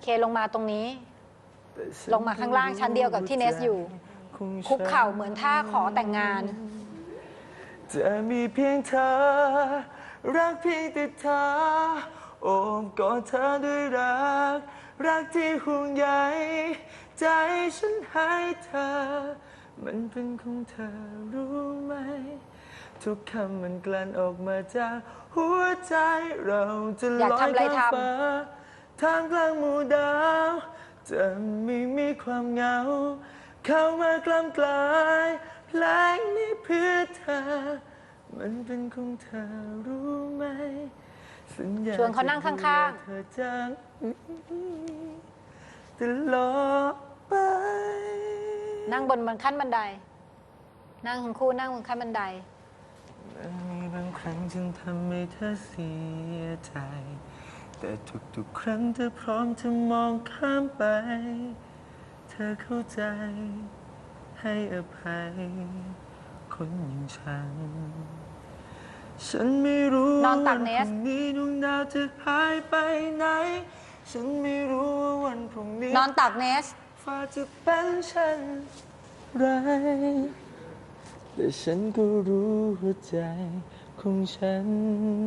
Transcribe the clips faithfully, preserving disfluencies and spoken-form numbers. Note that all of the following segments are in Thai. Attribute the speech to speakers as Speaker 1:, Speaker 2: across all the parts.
Speaker 1: เคลงมาตรงนี้ลงมาข้างล่างชั้นเดียวกับที่เนสอยู่คุกเข่าเหมือนท่าขอแต่งงาน
Speaker 2: จะมีเพียงเธอรักเพียงแต่เธอโอบกอดเธอด้วยรักรักที่ห่วงใยใจฉันให้เธอมันเป็นของเธอรู้ไหมทุกคำมันกลั่นออกมาจากหัวใจเราจะลอยข้ามฟ้าท่ามกลางหมู่ดาวจะไม่มีความเหงาเข้ามากล้ำกลายเพลงนี้เพื่อเธอมันเป็นของเธอรู้ไหมสัญญา
Speaker 1: ชวนเขานั่งข้างๆ
Speaker 2: เธอจังตลอดไป
Speaker 1: นั่งบนบนขั้นบันไดนั่งทั้งคู่นั่งบนขั้นบันได
Speaker 2: มันมีบางครั้งจึงทำให้เธอเสียใจแต่ทุกๆครั้งเธอพร้อมจะมองข้ามไปเธอเข้าใจให้อภัยคนอย่างฉันฉันไม่รู้ว่าวันพรุ่งนี้ดวงดาวจะหายไปไหนฉันไม่รู้ว่าวันพรุ่งนี้
Speaker 1: นอนตักเนส
Speaker 2: ฟ้าจะเป็นเช่นไรแต่ฉันก็รู้หัวใจของฉัน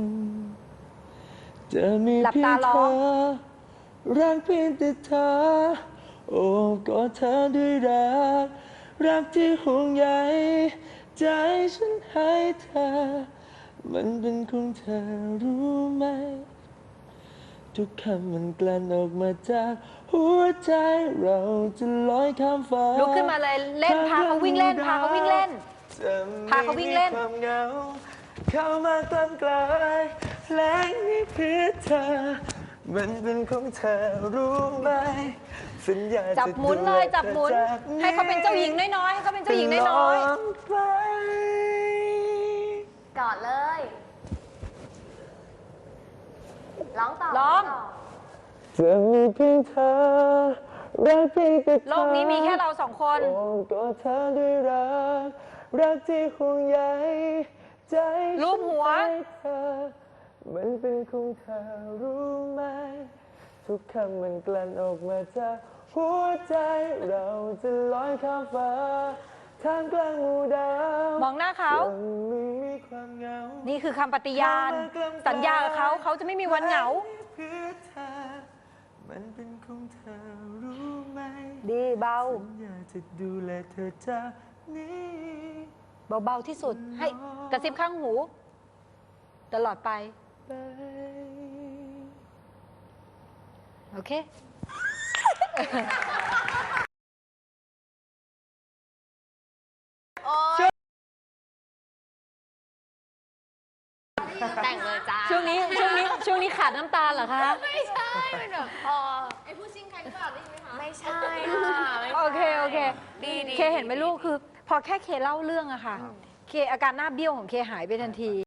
Speaker 2: จะมีเพียงเธอรักเพียงแต่เธอโอ้กอดเธอด้วยรักรักที่ห่วงใยใจฉันให้เธอมันเป็นของเธอรู้ไหมทุกคำมันกลั่นออกมาจากหัวใจเราจะลอยข้ามฟ้า
Speaker 1: ลุกขึ้นมาเลยเล่นพาเขาวิ่งเล่นพาเขาวิ่งเล่นพาเขาวิ่งเล่น
Speaker 2: ความเหงาเข้ามากล้ำกลายเพลงนี้เพื่อเธอมันเป็นของเธอรู้ไหมสัญญา
Speaker 1: จับหมุนเลยจับหมุนให้เขาเป็นเจ้าหญิงน้อยๆให้เขาเป็นเจ้าหญิงน้อย
Speaker 3: ๆกอดเลยร้องต่อ
Speaker 1: ร้อง
Speaker 2: จะมีเพียงเธอรักเพียงแต่เธอ
Speaker 1: โลกนี้มีแค่เราสองคน
Speaker 2: โอบกอดเธอด้วยรักรักที่ห่วงใยใจ
Speaker 1: รูปหัว
Speaker 2: เธอมันเป็นของเธอรู้ไหมทุกคำมันกลั่นออกมาจากหัวใจเราจะลอยข้ามฟ้าท่ามกลางหมู่ดาว
Speaker 1: มองหน้าเขานี่คือคำปฏิญาณสัญญากับเขาเขาจะไม่มีวันเหงา
Speaker 2: มันเป็นของเธอรู้ไหม
Speaker 1: ดีเบา
Speaker 2: สัญญาจะดูแลเธอจากนี้
Speaker 1: เบาๆที่สุดให้กระซิบข้างหูตลอดไปโอเค
Speaker 3: แต่งเลยจ้า
Speaker 1: ช่วงนี้ช่วงนี้ช่วงนี้ขาดน้ำตาลเหรอคะ
Speaker 3: ไม่ใช่เป็นแบบพอไอ้ผู้ชิงใครหรือเปล่าได้ยินไหมคะไม่ใช่ค่ะ
Speaker 1: โอเคโอเค
Speaker 3: ดีดี
Speaker 1: เคเห็นไหมลูกคือพอแค่เคเล่าเรื่องอะค่ะเคอาการหน้าเบี้ยวของเคหายไปทันที